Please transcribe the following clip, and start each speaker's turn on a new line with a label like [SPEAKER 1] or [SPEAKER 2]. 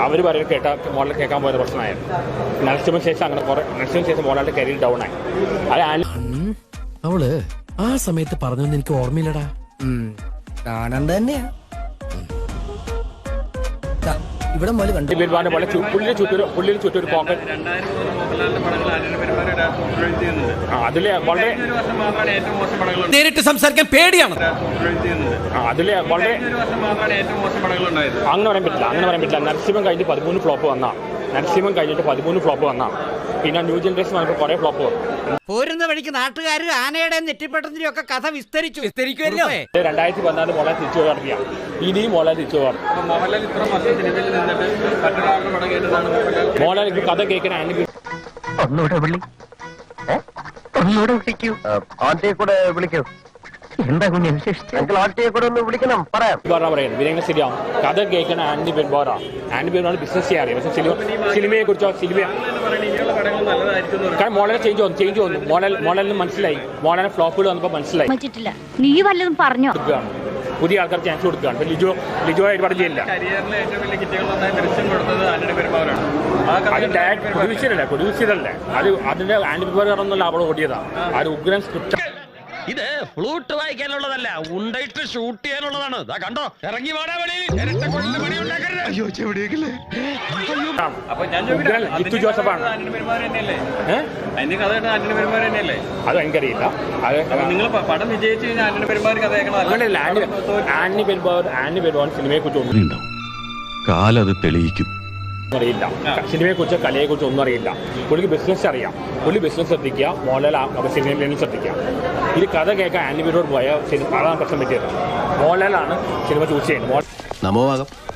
[SPEAKER 1] അവർ പറയും മോഡൽ കേൾക്കാൻ പോയത് പ്രശ്നമായിരുന്നു. നരസിംഹന് ശേഷം അങ്ങനെ കുറെ നരസിംഹന് ശേഷം മോഡലിന്റെ കരിയർ ഡൗൺ ആയി. അത്
[SPEAKER 2] അവള് ആ സമയത്ത് പറഞ്ഞൊന്നും എനിക്ക് ഓർമ്മയില്ലടാ.
[SPEAKER 3] കാണാണ്ട് തന്നെയാ ഇവിടെ പോലെ കണ്ടു.
[SPEAKER 1] പുള്ളിന് ചുറ്റും ഒരു പോക്കറ്റ്. അതില് വളരെ
[SPEAKER 2] നേരിട്ട് സംസാരിക്കാൻ പേടിയാണ്.
[SPEAKER 1] അതില് വളരെ അങ്ങനെ പറയാൻ പറ്റില്ല. നരസിംഹം കഴിഞ്ഞിട്ട് 13 ഫ്ലോപ്പ് വന്നാ പിന്നെ ന്യൂ ജനറേഷൻ വന്നപ്പോൾ കുറെ ഫ്ലോപ്പ് വന്നു.
[SPEAKER 4] പോരുന്ന വഴിക്ക് നാട്ടുകാർ ആനയുടെ നെറ്റിപ്പെട്ടതിന്റെ ഒക്കെ കഥ വിസ്തരിക്കുമല്ലോ.
[SPEAKER 1] 2014 മോളെ തിരിച്ചു നടത്തിയ ഇനിയും മോളെ തിരിച്ചു മോളെ കഥ കേൾക്കാൻ
[SPEAKER 5] ഒന്നുകൂടെ വിളിക്കൂ. എന്താ കുഞ്ഞ് വിശേഷിച്ച് ആട്ടിയെ കൂടെ ഒന്ന് വിളിക്കണം പറയാം
[SPEAKER 1] പറയുന്നത് വിനയങ്ങൾ ശരിയാവും. കഥ കേൾക്കണ ആൻഡി ബെൻബോറ ബിസിനസ് ചെയ്യാറിയാം. പക്ഷെ സിനിമയെ കുറിച്ചോ കാരണം മോഡൽ ചേഞ്ച് വന്നു. മോഡലിന് മനസ്സിലായി. മോഡലിന് ഫ്ലോപ്പുകൾ വന്നപ്പോൾ മനസ്സിലായി.
[SPEAKER 6] നീ വല്ലതും പറഞ്ഞോ?
[SPEAKER 1] പുതിയ ആൾക്കാർ ചാൻസ് കൊടുക്കുകയാണ്. ഇപ്പൊ ലിജോ ഒരുപാട് ചെയ്യില്ല. അത് പ്രൊഡ്യൂസറല്ലേ അത് അതിന്റെ ആൻഡി ബെൻബോറ അവൾ ഓടിയതാണ്. അത് ഉഗ്രൻ സ്ക്രിപ്റ്റ്.
[SPEAKER 2] ഇത് ഫ്ലൂട്ട് വായിക്കാനുള്ളതല്ല, ഉണ്ടായിട്ട് ഷൂട്ട് ചെയ്യാനുള്ളതാണ്. കണ്ടോ, ഇറങ്ങി വാടാ വെളിയിൽ.
[SPEAKER 1] ജിത്തു ജോസഫാണ്. അത് എനിക്കറിയില്ല. ആന്റി പെരുമാർ സിനിമയെ കുറിച്ച് ഒന്നും
[SPEAKER 7] കാലത് തെളിയിക്കും.
[SPEAKER 1] അറിയില്ല. സിനിമയെ കുറിച്ച് കലയെ കുറിച്ച് ഒന്നും അറിയില്ല. പുള്ളിക്ക് ബിസിനസ് അറിയാം. പുള്ളി ബിസിനസ് ശ്രദ്ധിക്കുക, മോഡൽ സിനിമയിൽ ശ്രദ്ധിക്കുക. ഇത് കഥ കേൾക്കാൻ ആന്റി പെരുമാർ പോയ അതാണ് പ്രശ്നം പറ്റിയത്. മോഡലാണ് സിനിമ ചൂസ് ചെയ്യുന്നത്.
[SPEAKER 7] നമോവാകം.